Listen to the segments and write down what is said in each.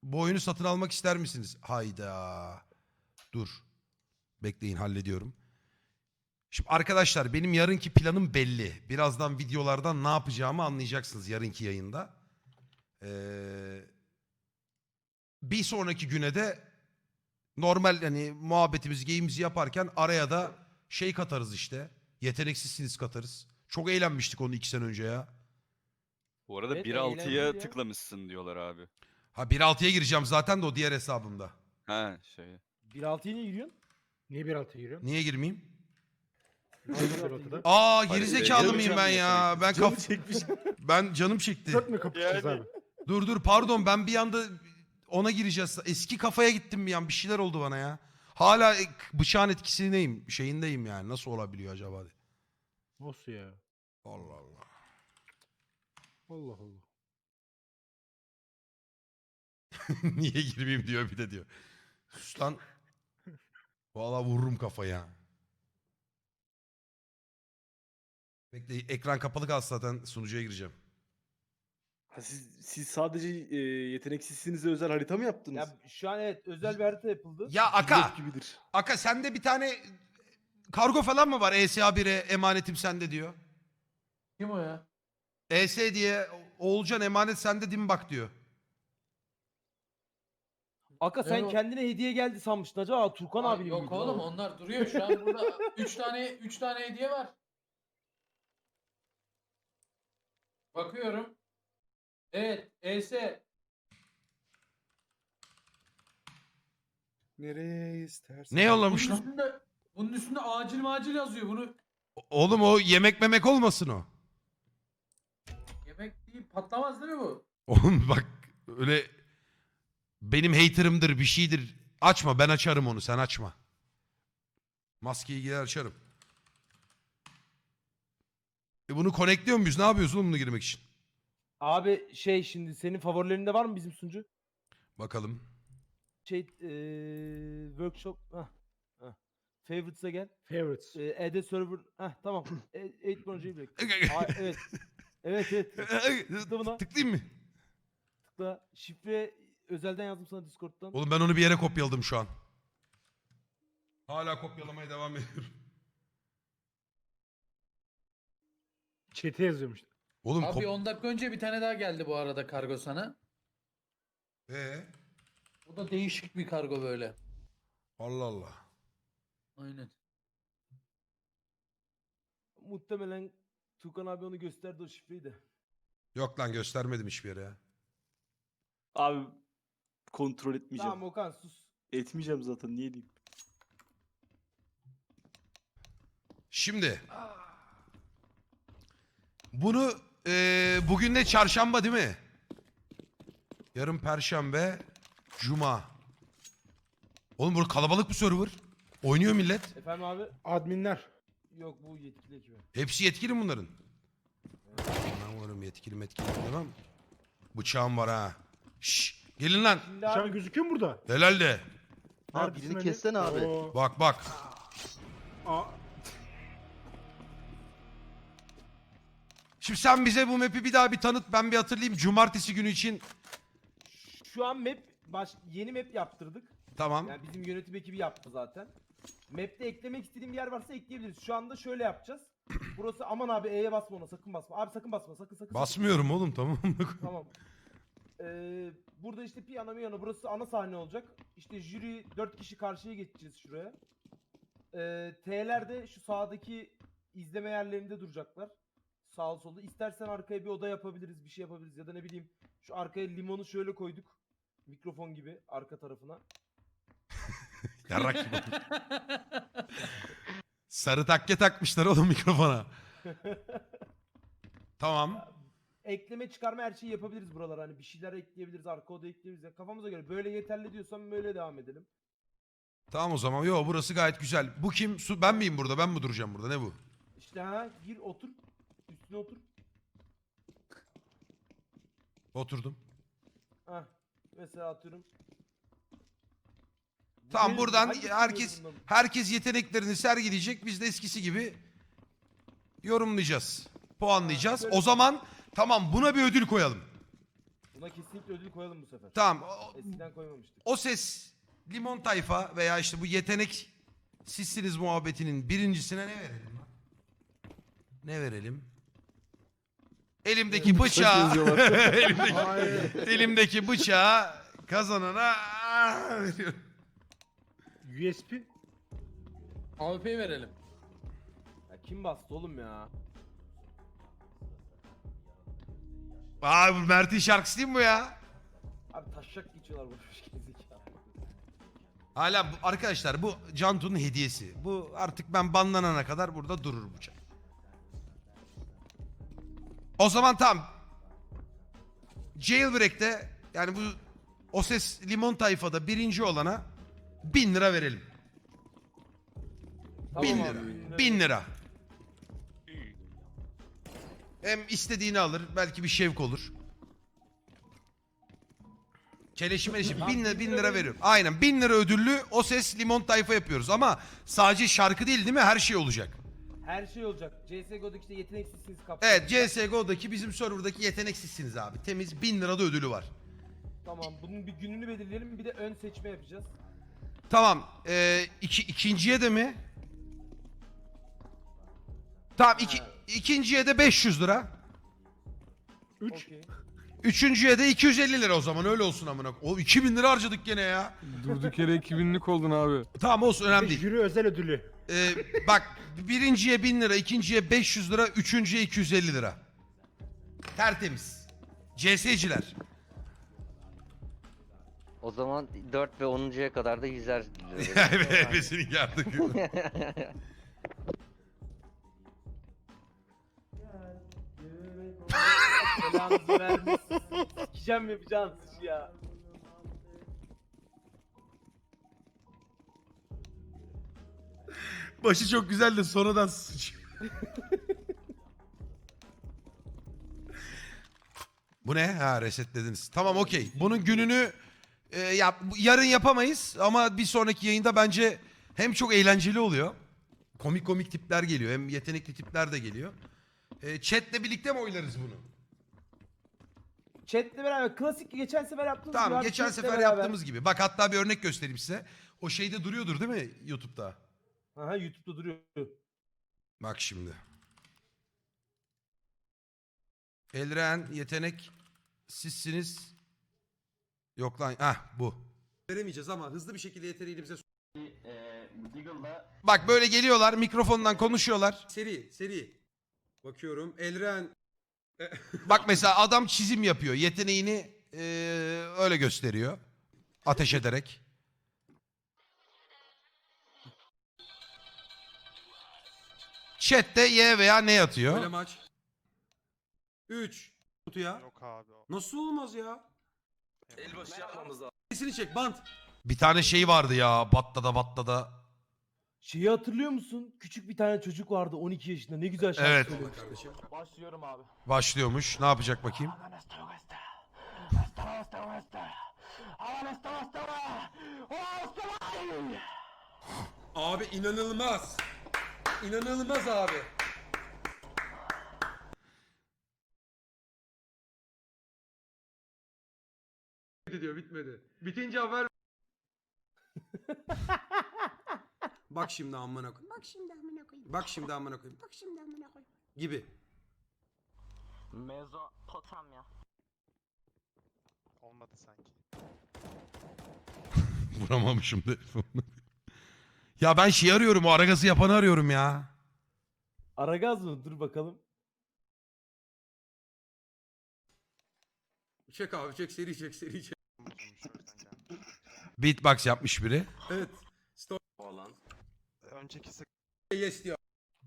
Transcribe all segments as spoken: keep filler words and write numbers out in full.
Bu oyunu satın almak ister misiniz? Hayda. Dur. Bekleyin, hallediyorum. Şimdi arkadaşlar benim yarınki planım belli. Birazdan videolardan ne yapacağımı anlayacaksınız yarınki yayında. Ee, bir sonraki güne de normal hani muhabbetimizi, geyimizi yaparken araya da şey katarız işte. Yeteneksizsiniz katarız. Çok eğlenmiştik onu iki sene önce ya. Bu arada Evet, bir eğlenceli altıya ya. tıklamışsın diyorlar abi. Ha bir altıya gireceğim zaten de o diğer hesabımda. Ha şey. bir altıya niye giriyorsun? Niye bir altıya giriyorsun? Niye girmeyeyim? Bir altıda. Aa Hayır, gerizekalı canım mıyım ben ya? yeteneksiz. Ben Canı kaf çekmiş. ben canım çekti. Dört mü kapışacağız Yani. abi? Dur dur pardon ben bir anda ona gireceğiz. Eski kafaya gittim bir an, bir şeyler oldu bana ya. Hala e, bıçağın etkisindeyim, şeyindeyim yani. Nasıl olabiliyor acaba? Nasıl ya? Allah Allah. Allah Allah. Niye girmeyeyim diyor bir de diyor. Sus lan. Valla vururum kafaya. Bekle ekran kapalı kalsın zaten sunucuya gireceğim. Ha siz, siz sadece e, yeteneksizsinize özel harita mı yaptınız? Ya şu an evet özel bir harita yapıldı. Ya Aka. Blok gibidir. Aka sende bir tane kargo falan mı var? E S A bire emanetim sende diyor. Kim o ya? E S diye Oğulcan emanet sende değil mi bak diyor. Aka sen Evet. kendine hediye geldi sanmıştın acaba Turkan Aa, abinin yok miydi oğlum o? onlar duruyor şu an burada. üç tane üç tane hediye var. Bakıyorum. Evet, E S. Nereye istersen. Ne Bunun yollamış lan? üstünde bunun üstünde acil macil yazıyor. Bunu Oğlum o yemek memek olmasın o. yemek değil patlamaz değil mi bu? Oğlum bak öyle benim haterımdır bir şeydir. Açma ben açarım onu sen açma. Maskeyi gider açarım. E bunu connectliyor muyuz? Ne yapıyoruz oğlum bunu girmek için? Abi şey şimdi senin favorilerinde var mı bizim sunucu? Bakalım. Şey eee workshop hah. hah. Favorites'e gel. Favorites. Eee Add a server. Hah tamam. eight Project'i bekle. Aa, evet. Evet evet. Tıkla buna. Tıklayayım mı? Tıkla. Şifre özelden yazdım sana Discord'dan. Oğlum ben onu bir yere kopyaladım şu an. Hala kopyalamaya devam ediyorum. Çete yazıyormuş. Oğlum Abi kop... on dakika önce bir tane daha geldi bu arada kargo sana. Ee? Bu da değişik bir kargo böyle. Allah Allah. Aynen. Muhtemelen Tukan abi onu gösterdi o şifreyi de. Yok lan göstermedim hiçbir yere ya. Abi kontrol etmeyeceğim. Tamam Okan sus. Etmeyeceğim zaten niye diyeyim. Şimdi. Bunu eee bugün de çarşamba değil mi? Yarın perşembe, cuma. Oğlum burada kalabalık bir server. Oynuyor millet. Efendim abi? Adminler. Yok bu yetkili ekibi. Hepsi yetkili mi bunların? Ben varım yetkili metkili demem. Bıçağım var ha. Şşş gelin lan. Şimdi Şu an abi gözüküyor mu burada? Helal de. Abi Neredesin birini Ali? kessene abi. Oo. Bak bak. Aa, Şimdi sen bize bu map'i bir daha bir tanıt. Ben bir hatırlayayım. Cumartesi günü için. şu an map baş, yeni map yaptırdık. Tamam. Yani bizim yönetim ekibi yaptı zaten. Map'te eklemek istediğim bir yer varsa ekleyebiliriz. Şu anda şöyle yapacağız. Burası aman abi E'ye basma ona sakın basma. Abi sakın basma sakın sakın. Basmıyorum oğlum tamam. sakın. Tamam. Ee, burada işte piyano miyano burası ana sahne olacak. İşte jüri dört kişi karşıya geçeceğiz şuraya. Ee, T'ler de şu sağdaki izleme yerlerinde duracaklar. Sağ solda. İstersen arkaya bir oda yapabiliriz, bir şey yapabiliriz ya da ne bileyim şu arkaya limonu şöyle koyduk. Mikrofon gibi arka tarafına. Yarrak gibi. Sarı takke takmışlar oğlum mikrofona. Tamam. Ekleme çıkarma her şeyi yapabiliriz buralara. Hani bir şeyler ekleyebiliriz, arka oda ekleyebiliriz. Yani kafamıza göre böyle yeterli diyorsam böyle devam edelim. Tamam o zaman. Yo burası gayet güzel. Bu kim? Su ben miyim burada? Ben mi duracağım burada? Ne bu? İşte ha gir otur. Üstüne otur. Oturdum. Hah. Mesela atıyorum. Tamam Benim- buradan hangisi herkes bunların? herkes yeteneklerini sergileyecek. Biz de eskisi gibi yorumlayacağız. Puanlayacağız. Ha, O zaman tamam buna bir ödül koyalım. Buna kesinlikle ödül koyalım bu sefer. Tamam. O, Eskiden koymamıştık. o ses limon tayfa veya işte bu yetenek sizsiniz muhabbetinin birincisine ne verelim lan? Ne verelim? Elimdeki bıçağı elimdeki, elimdeki bıçağı kazanana veriyorum. U S P. A W P'yi verelim. Ya kim bastı oğlum ya? Aa bu Mert'in şarkısı değil mi bu ya? Abi taşak geçiyorlar boş boş gerizekalı. Hala bu, arkadaşlar bu Cantu'nun hediyesi. Bu artık ben banlanana kadar burada durur bu çay. O zaman tam Jailbreak'te yani bu o ses limon tayfada birinci olana bin lira verelim. bin Tamam lira. abi. Bin lira. Hem istediğini alır. Belki bir şevk olur. Çeleşi meleşi. Bin lira, bin lira veriyorum. Aynen. Bin lira ödüllü o ses limon tayfa yapıyoruz. Ama sadece şarkı değil değil mi? Her şey olacak. Her şey olacak. C S G O'daki işte yeteneksizsiniz kapsamında. Evet C S G O'daki bizim serverdaki yeteneksizsiniz abi. Temiz bin lirada ödülü var. Tamam bunun bir gününü belirleyelim bir de ön seçme yapacağız. Tamam. Ee, iki, ikinciye de mi? Tamam iki, Ha. ikinciye de beş yüz lira. üç. Okey. Üçüncüye de iki yüz elli lira o zaman öyle olsun amına. O iki bin lira harcadık gene ya. Durduk yere iki binlik oldun abi. Tamam olsun önemli değil. Jüri özel ödülü. Ee, bak birinciye bin lira, ikinciye beş yüz lira, üçüncüye iki yüz elli lira. Tertemiz. C S'ciler. O zaman dört ve onuncuya kadar da yüzer lira. Hepsini yardık. Belanızı vermesin. Sikeceğim yapacağınız işi ya. Başı çok güzel de sonradan sıçıyor. Bu ne? Ha resetlediniz. Tamam okey. Bunun gününü e, yap, yarın yapamayız ama bir sonraki yayında bence hem çok eğlenceli oluyor. Komik komik tipler geliyor. Hem yetenekli tipler de geliyor. E, chat'le birlikte mi oylarız bunu? Chat'le beraber klasik geçen sefer yaptığımız gibi Tamam abi, geçen chat'le sefer beraber. yaptığımız gibi. Bak hatta bir örnek göstereyim size. O şeyde duruyordur değil mi YouTube'da? Aha YouTube'da duruyor. Bak şimdi. Elren yetenek sizsiniz. Yok lan ah bu. Veremeyeceğiz ama hızlı bir şekilde yeteneğini bize Bak böyle geliyorlar mikrofondan konuşuyorlar. Seri seri. Bakıyorum Elren. Bak mesela adam çizim yapıyor. Yeteneğini eee, öyle gösteriyor. Ateş ederek. Chat'te Y veya ne atıyor? Böyle maç. üç. Kutuya. Yok abi o. Nasıl olmaz ya? Elbaşı yapmamız lazım. Sesini çek bant. Bir tane şey vardı ya. Battada battada. Şeyi hatırlıyor musun? Küçük bir tane çocuk vardı on iki yaşında ne güzel şarkı Evet. söylemişti. Kardeşim. Başlıyorum abi. Başlıyormuş. Ne yapacak bakayım? Abi inanılmaz. İnanılmaz abi. diyor bitmedi. Bitince haber. Bak şimdi amına koyayım. Bak şimdi amına koyayım. Bak şimdi amına koyayım. Bak şimdi amına koyayım. Gibi. Mezopotamya. Olmadı sanki. Vuramamışım telefonu. Ya ben şey arıyorum. O Aragaz'ı yapanı arıyorum ya. Aragaz mı? Dur bakalım. Çek abi çek seri çek seri çek. Bozulmuş o yüzden gelmiş. Beatbox yapmış biri. Evet. Story Falan. Önceki sık yes diyor.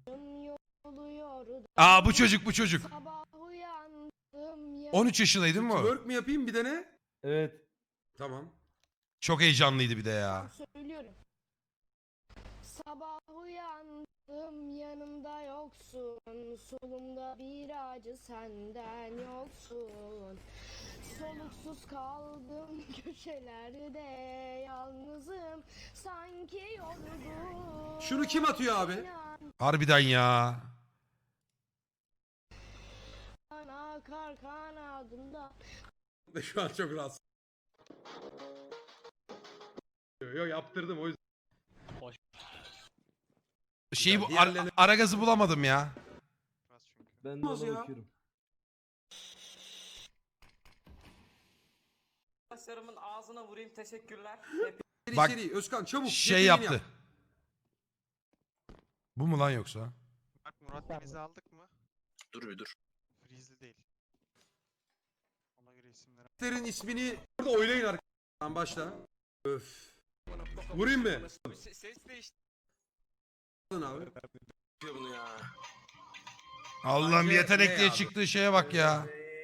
Aa bu çocuk bu çocuk. Sabah uyandım ya. on üç yaşındaydı değil mi o? Twerk mi yapayım bir de ne? Evet. Tamam. Çok heyecanlıydı bir de ya. Söylüyorum. Sabah uyandım yanımda yoksun. Solumda bir acı senden yoksun. Soluksuz kaldım köşelerde yalnızım. Sanki yorgun. Şunu kim atıyor abi? Harbiden ya. Akar kanadında. Ve şu an çok rahatsız. Yok yok, yaptırdım o yüzden. Şeyi bu Diğerlerine- ara gazı bulamadım ya. Biraz çünkü. Ben de Olmaz ona ya. bakıyorum. Arkadaşlarımın ağzına vurayım teşekkürler. Seri Bak, seri Özkan çabuk. Şey yeteneğini yaptı. yap. Bu mu lan yoksa? Bak Murat Deniz'i aldık mı? Dur bir dur. Freeze'li değil. Ona göre isimleri. Karakterin ismini burada oylayın arkadaşlar. Başla. Öf. Vurayım mı? Ses değişti. Alın abi. Bunu ya. Allah'ım Bence yetenek ne diye abi? çıktığı şeye bak ya.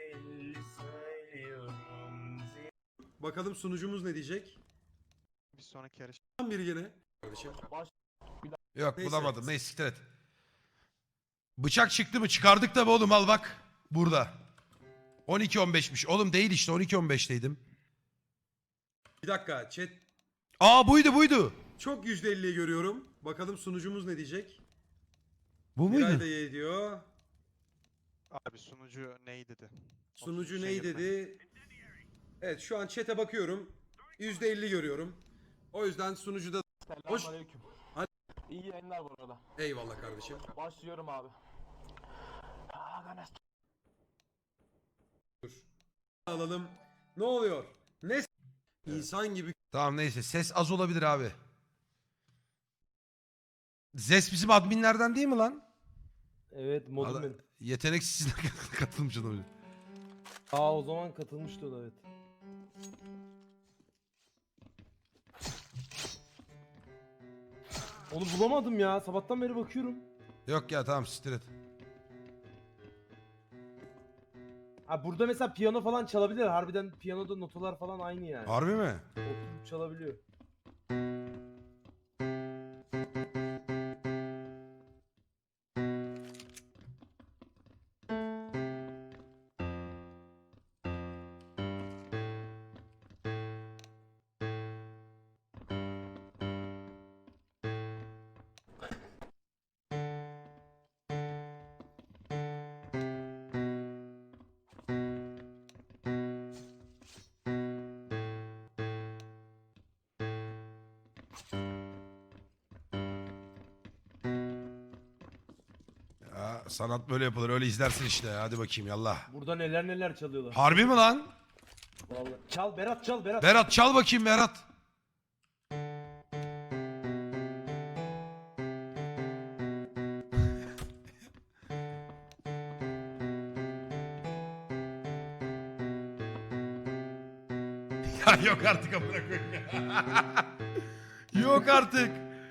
Bakalım sunucumuz ne diyecek? Bir sonraki yarış. Tam biri gene. Kardeşim. Yok Neyse. bulamadım. Neyse siktir et. Bıçak çıktı mı? Çıkardık tabi oğlum, al bak. Burada. on iki on beşmiş. Oğlum değil işte, on iki on beşteydim. Bir dakika chat. Aa buydu buydu. Çok yüzde elliyi görüyorum. Bakalım sunucumuz ne diyecek? Bu Miray muydu? da ye diyor. Abi sunucu ney dedi? Sunucu Şey ney yapma. dedi? Evet şu an chat'e bakıyorum. yüzde elli görüyorum. O yüzden sunucuda... Hoş... Hadi. İyi yayınlar bu arada. Eyvallah kardeşim. Başlıyorum abi. Dur. Alalım. Ne oluyor? Ne s- İnsan gibi Tamam neyse, ses az olabilir abi. Zes bizim adminlerden değil mi lan? Evet modum Adam- benim. Yeteneksizine katılmış olabilir. Aa o zaman katılmıştı o da evet. Onu bulamadım ya. Sabahtan beri bakıyorum. Yok ya tamam siktir et. Ha burada mesela piyano falan çalabilir. Harbiden piyanoda notalar falan aynı yani. Harbi mi? Oturup çalabiliyor. Ya, sanat böyle yapılır, öyle izlersin işte. Hadi bakayım yallah. Burada neler neler çalıyorlar. Harbi mi lan? Vallahi. Çal Berat çal Berat. Berat çal bakayım Berat. Ya yok artık amına koyayım ya. Yok artık.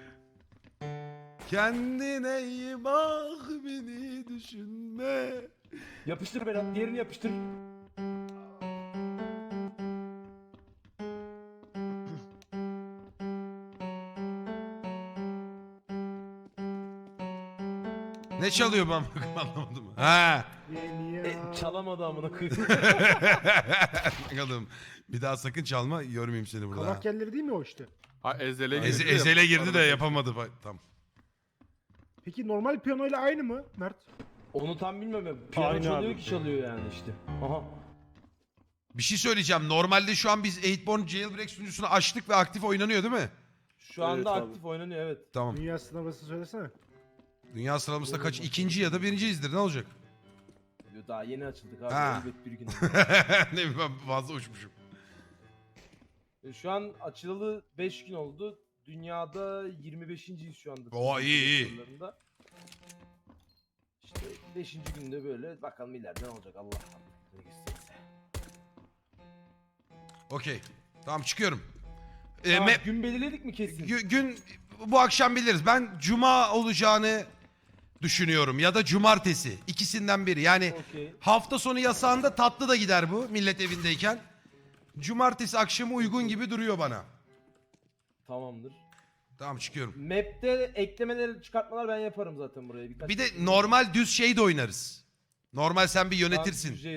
Kendine iyi bak, beni düşünme. Yapıştır Berat. Diğerini yapıştır. Ne çalıyor ben anlamadım. Ha. E, çalamadı amına koyayım. Bakalım. Bir daha sakın çalma, görmeyeyim seni burada. Kavak yerleri değil mi o işte? Ha ezele girdi. Eze- de ezele girdi de arada- yapamadı. Bak, tamam. Peki normal piyano ile aynı mı Mert? Onu tam bilmem. Piyano Aynı çalıyor abi. ki çalıyor yani işte. Aha. Bir şey söyleyeceğim. Normalde şu an biz Eightborn Jailbreak sunucusunu açtık ve aktif oynanıyor değil mi? Şu anda Evet abi. aktif oynanıyor evet. Tamam. Dünya sınavısı söylesene. Dünya sıralamasında kaç? İkinci ya da birinciyizdir. Ne olacak? Yo, daha yeni açıldık abi. Ha. Elbet bir gün. ne bileyim, ben fazla uçmuşum. E, Şu an açılalı beş gün oldu. Dünyada yirmi beşinciyiz şu anda. Oo, iyi, iyi. sınırlarında. İşte beşinci günde böyle bakalım ileride ne olacak Allah ne gösterirse. Okey. Tamam çıkıyorum. Ee, Tamam, me- gün belirledik mi kesin? gü- gün bu akşam biliriz. Ben cuma olacağını düşünüyorum ya da cumartesi. İkisinden biri. Yani Okey. hafta sonu yasağında tatlı da gider bu millet evindeyken. Cumartesi akşamı uygun gibi duruyor bana. Tamamdır. Tamam çıkıyorum. Map'te eklemeler çıkartmalar ben yaparım zaten buraya. Birkaç Bir de tane- normal düz şey de oynarız. Normal sen bir Tamam, yönetirsin. düzce